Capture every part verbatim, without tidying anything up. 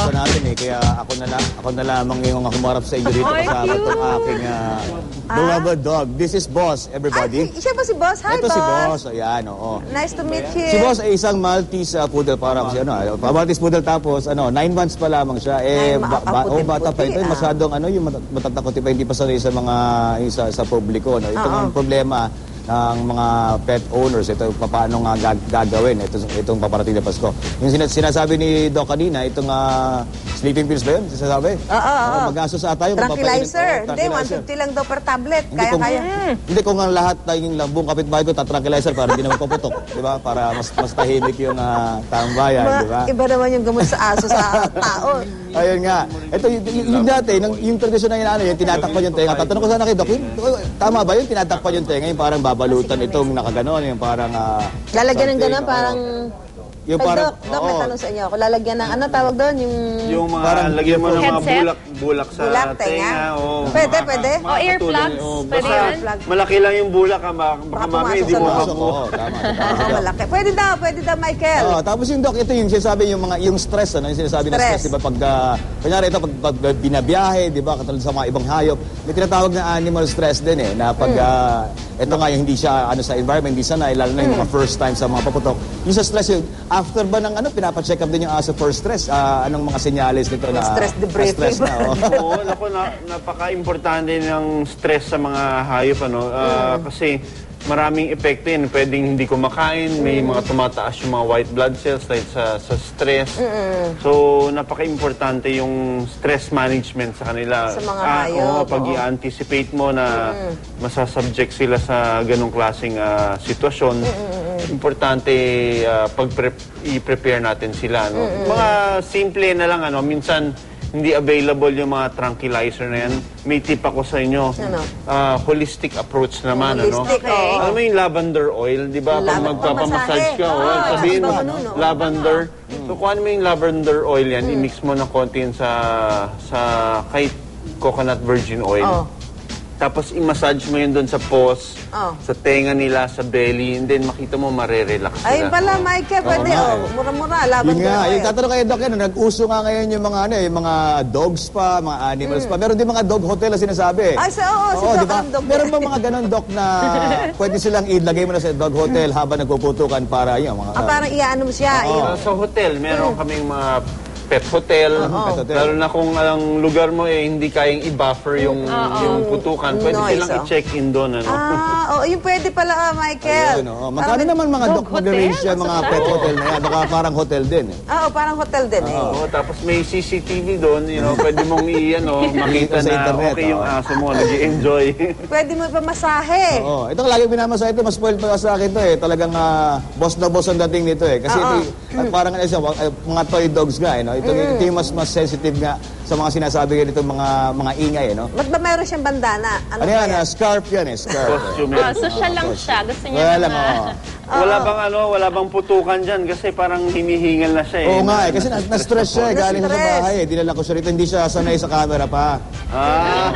gusto natin eh. Kaya ako na, la ako na lamang yung humarap sa inyo dito kasama itong aking uh, beloved dog. This is Boss, everybody. Ay, siya ba si Boss? Hi, Ito Boss. si Boss. Ayan, oo. Nice to meet you. Si Boss ay isang Maltese uh, poodle. Parang si ano, uh, Maltese poodle tapos ano, nine months pa lamang siya. Eh, Nine, ba ba oh, bata pa ito. ah. Masyadong ano, yung mat matatakot pa, hindi pa sanay sa mga sa, sa publiko. No? Ito ang problema ng mga pet owners, ito paano nga gag gagawin ito, itong paparating na Pasko. Yung sinas sinasabi ni Doc kanina, itong uh, sleeping pills ba yun? Sinasabi? Oo, oo, oo. Mag-asos ata yung tranquilizer. Hindi, one fifty lang daw per tablet. Hindi Kaya, kung, kaya. Hindi kung ang lahat tayong buong kapitbahay ko tatranquilizer para hindi na magpaputok. Di ba? Para mas, mas tahimik yung uh, taong bayan. Di ba? Iba naman yung gamot sa aso sa tao. Ayun nga. Ito, yung, yung dati, yung, yung tradisyon na yun, ano, yung tinatakpan yung tenga. Tatanong ko sana kay Doc, tama ba yun? Tinatakpan yung tenga, yung parang babalutan itong nakaganon, yung parang... Uh, lalagyan ng gano'n, parang... Yung Ay, parang... Doc, Doc, may tanong sa inyo ako. Lalagyan ng, ano tawag doon? Yung... Yung mga, parang lagyan mo ng mga headset? bulak, bulak sa Bulak, tenga. tenga. Oh, Pwede, pwede. O earplugs, Oh, pwede basta yun? malaki lang yung bulak, ha, baka, baka Baka mami, pumasok hindi sa mo loob. makuha. Oo, tama. Oo, malaki. Pwede daw, pwede daw, Michael. Oh, tapos yung Doc, ito yung sinasabi yung mga yung stress, ano, yung sinasabi na Stress. stress, di ba, pag uh, kunyari ito pag, pag binabiyahe, di ba, katulad sa mga ibang hayop, may tinatawag na animal stress din eh, na pag uh, ito nga yung hindi siya ano sa environment, hindi sanay, lalo na yung mga first time sa mga paputok. Yung sa stress, yung after ba ng ano, pinapa-check up din yung aso for stress, uh, anong mga senyales nito na Stress debriefing. stress na, oh. Oo, naku, na, napaka-importante ng stress sa mga hayop, ano, ah, kasi maraming epekto yun. Pwedeng hindi kumakain, may mga tumataas yung mga white blood cells dahil sa, sa stress. So, napaka-importante yung stress management sa kanila. Sa mga Ah, hayop, oo, pag oo. i-anticipate mo na masasubject sila sa ganong klaseng ah, sitwasyon, importante ah, pag i-prepare natin sila. No? Mga simple na lang, ano, minsan hindi available yung mga tranquilizer na yan. May tip ako sa inyo. Ano? Ah, holistic approach naman. Holistic, ano? oo. Alam mo yung lavender oil, di ba? Pag Lava- magpapamassage ka, pamasahe. oh, Ah, sabihin mo, iba ganun, no? lavender. So, kuhanin mo yung lavender oil yan, i-mix mo ng konti yan sa, sa kahit coconut virgin oil. Oh. Tapos i-massage mo yun doon sa paws, Oh. sa tenga nila, sa belly, and then makita mo marerelax sila. Ayun pala, Michael, pwede. nga, Oh, eh. mura-mura, Yun lavender nga, oil. yung tatanong kayo, Doc, yan, nag-uso nga ngayon yung mga, ano, yung mga dogs pa, mga animals pa. Meron din mga dog hotel na sinasabi. Ay, sa- oo, si Doc, diba? alam, Doc. Meron ba mga ganon, Doc, na pwede silang ilagay mo na sa dog hotel habang nagpuputukan para yun, mga... Ah, parang iaano mo siya. Oo. yung- Uh, sa hotel, meron kaming mga pet hotel. Pet hotel. Lalo na kung ang lugar mo eh hindi kayang i-buffer yung yung putukan, pwede Noise, silang oh. i-check in doon, ano. Ah, oh, yung pwede pala, ah, Michael. Ayun, oo. Magkano Parang- naman mga dog Doc mag-arrange hotel? yan, mga pet hotel na yan? Baka parang hotel din eh. Ah, oh, parang hotel din eh. Oo, tapos may C C T V doon, you know, pwede mong i-ano, makita Sa na internet, okay yung oo. aso mo, nag-i-enjoy. Pwede mo ipamasahe. Oo, ito lagi pinamasa ito, mas spoiled pa sa akin to eh. Talagang ah, boss na boss ang dating nito eh. Kasi ito, ay, parang ano siya, wa- ay, mga toy dogs nga eh. No? Ito, ito yung mas, mas sensitive nga sa mga sinasabi ganito mga mga ingay eh. No? Ba't ba mayroon siyang bandana? Ano ba yan? ah, scarf yan eh, scarf. eh. Costume Oh, yan. social lang siya. Gusto niya Wala ng lang, mga... oo. Wala bang ano, wala bang putukan dyan kasi parang hinihingal na siya eh. Oo nga eh, kasi na- na-stress siya eh, galing siya sa Na-stress. bahay eh. Dinala ko siya rito, hindi siya sanay sa camera pa. Ah,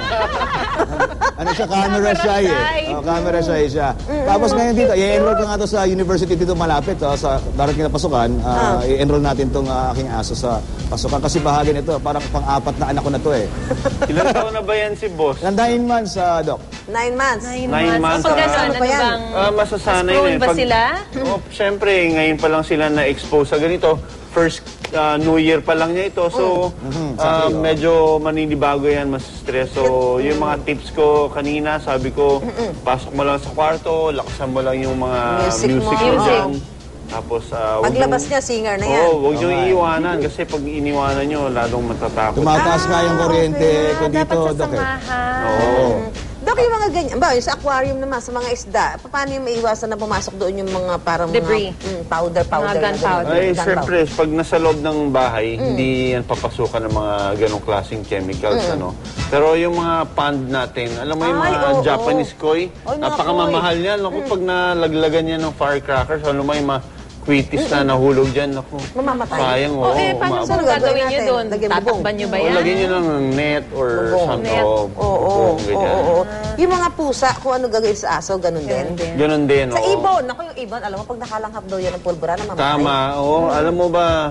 Ano siya, camera shy shy. eh. Oh, camera shy siya. Tapos ngayon dito, i-enroll ko nga to sa university dito malapit, oh, sa darating na pasukan. ah, I-enroll natin tong ah, aking aso sa pasukan kasi bahagi nito, parang pang-apat na anak ko na to eh. ilang taon na ba yan si boss? Ilang nine months, ah, Doc? Nine months. Nine, Nine months, months. O pag ah. gano'n, Ano ano ba yan? bang... Ah, masasanay Prone na eh. ba sila? Oh, syempre, ngayon pa lang sila na-expose sa ganito. First ah, New Year pa lang niya ito. So, ah, medyo maninibago yan, mas stress. So, yung mga tips ko kanina, sabi ko, pasok mo lang sa kwarto, lakasan mo lang yung mga Music music, mo. mo Oo. dyan. Tapos, ah, wag Paglabas niyong- niya, singer na yan. Oo, huwag niyong iiwanan. Kasi pag iniwanan niyo, lalong matatakot. Tumataas nga yung kuryente okay. ko dito, Dapat Doc eh. sasamahan. Oo. Dok, yung mga ganyan, ba, yung sa aquarium naman, sa mga isda, paano yung maiwasan na pumasok doon yung mga parang Debris. mga mm, powder, powder. Mga na ganun? gunpowder. Ay, Gunpowder. syempre, pag nasa loob ng bahay, hindi yan papasukan ng mga ganong klaseng chemicals, ano. Pero yung mga pond natin, alam mo yung Ay, mga oo. Japanese koi, Ay, mga napakamamahal yan. Naku, pag nalaglagan yan ng firecrackers, alam mo yung mga quitis na nahulog dyan, naku. Mamamatay. Sayang, oo. O eh, paano umaabot. sa Ano gagawin gagawin niyo natin? doon? Lagyan bubong. Tatakban niyo ba O, yan? lagyan nyo ng net or Bubong. something. Net. O, Oo, oo, bubong, oo, ganyan. oo. Yung mga pusa, kung ano gagawin sa aso, ganun din. din. Ganun din, Sa oo. ibon, ako yung ibon, alam mo, pag nakalanghap daw yan ng pulbura, namamatay. Tama, oo. Alam mo ba,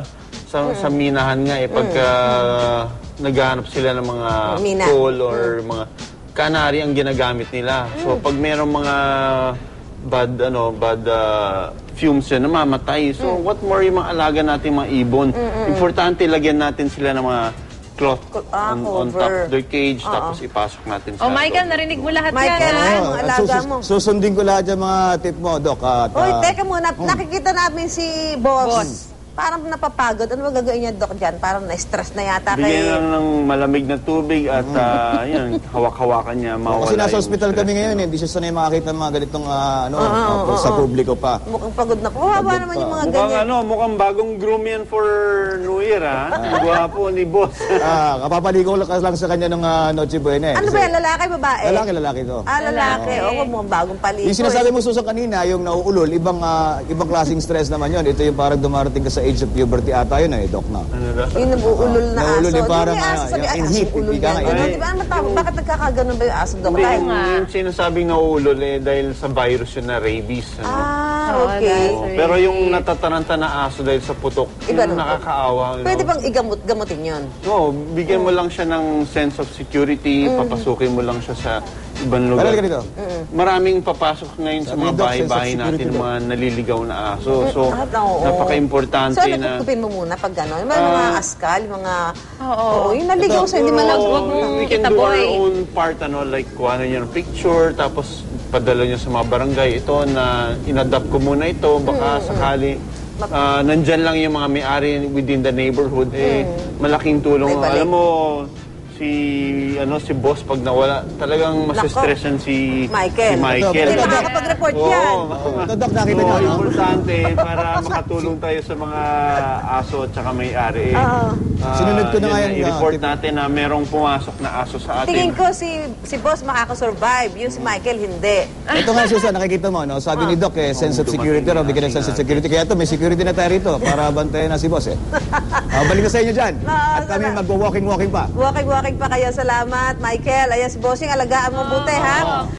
sa, sa minahan nga eh, pagka naghahanap sila ng mga Mina. coal or mga kanari ang ginagamit nila. So pag merong mga bad ano bad uh, fumes yan, namamatay. So what more yung mga alaga natin mga ibon. Importante lagyan natin sila ng mga cloth Ah, on, on top cover. of their cage, tapos ipasok natin sa Oh, Michael, loob. narinig mo lahat Michael, yan. Ay, ha? mga at alaga susus- mo. Susundin ko lahat yung mga tip mo, Doc. At, Uy, ah, teka muna. Nakikita namin si Boss. Boss. Parang napapagod. Ano ba gagawin niya, Doc, dyan? Parang na-stress na yata Bigyan kay... lang ng malamig na tubig at ah, yan, hawak-hawakan niya, mawala kasi nasa yung hospital stress kami ngayon, niya. eh. Hindi siya sanay makakita ng mga ganitong ah, ano, ah, sa publiko pa. Mukhang pagod na. Kawawa Pagod naman pa. yung mga Mukhang ganyan. ano, mukhang bagong groom yan for New Year, ha? Gwapo ni boss. Ah, kapapaligo lang lang sa kanya ng ah, Noche Buena. Eh. Ano Kasi ba yan? Lalaki, babae? Lalaki, lalaki to. Ah, lalaki. Oo, mukhang bagong paligo. Yung sinasabi eh. mo, Susan, kanina, yung nauulol, ibang ah, ibang klaseng stress naman yun. Ito yung parang dumarating ka sa age of puberty ata yun, eh, Doc, na. Ano daw? Yung nabuulol na aso. Naulol yung Di ba parang, may aso ah, sabi, yung ay, in aso heat, ulol ika yan. nga, Ganun, in di ba? Ano matawag? Bakit nagkakaganon ba yung aso, Doc? Hindi, Dahil- yung, yung sinasabing nauulol eh, dahil sa virus yun na rabies. Ano? Ah, Oo, okay. dahil Oo, pero yung natataranta na aso dahil sa putok, Iba yun naman. nakakaawa. you Pwede know? bang igamot-gamutin yun? Oo, bigyan mo lang siya ng sense of security, papasukin mo lang siya sa ibang lugar. Parang ganito. Maraming papasok ngayon sa Sabi mga ni Doc, bahay-bahay sense of natin, security mga naliligaw na aso. So, Ah, oo. napaka-importante So, na... nagkukupin mo muna pag gano'n. Yung mga Ah. askal, yung mga... Oo. Oo, yung naligaw sa'yo, hindi Siguro, malag... wag mong we can do itaboy. our own part, ano, like, kuha na niya ng picture, tapos padala niya sa mga barangay. Ito na, inadapt ko muna ito, baka sakali, ah, nandyan lang yung mga may-ari within the neighborhood, eh, malaking tulong. May balik. Alam mo, si, ano, si boss, pag nawala, talagang masistressan si Michael. Si Michael. Hindi makakapag-report Oo. yan. Ito, Doc, nakita So, niyo, no? importante para makatulong tayo sa mga aso at saka may-ari. Eh, ah, Sinunod ko na yun nga yung, i-report ah, natin na merong pumasok na aso sa atin. Tingin ko si si boss makakasurvive. Yung si Michael, hindi. Ito nga, Susan, nakikita mo, no? Sabi ni Doc, eh, sense of security raw, bigyan ng sense of security. Kaya ito, may security na tayo rito para bantayan na si boss, eh. Ah, balik na sa inyo dyan. Ah, At kami salamat. magwa-walking-walking pa. Walking-walking pa kayo. Salamat, Michael. Ayan si bossing, alagaan mo buti, ha?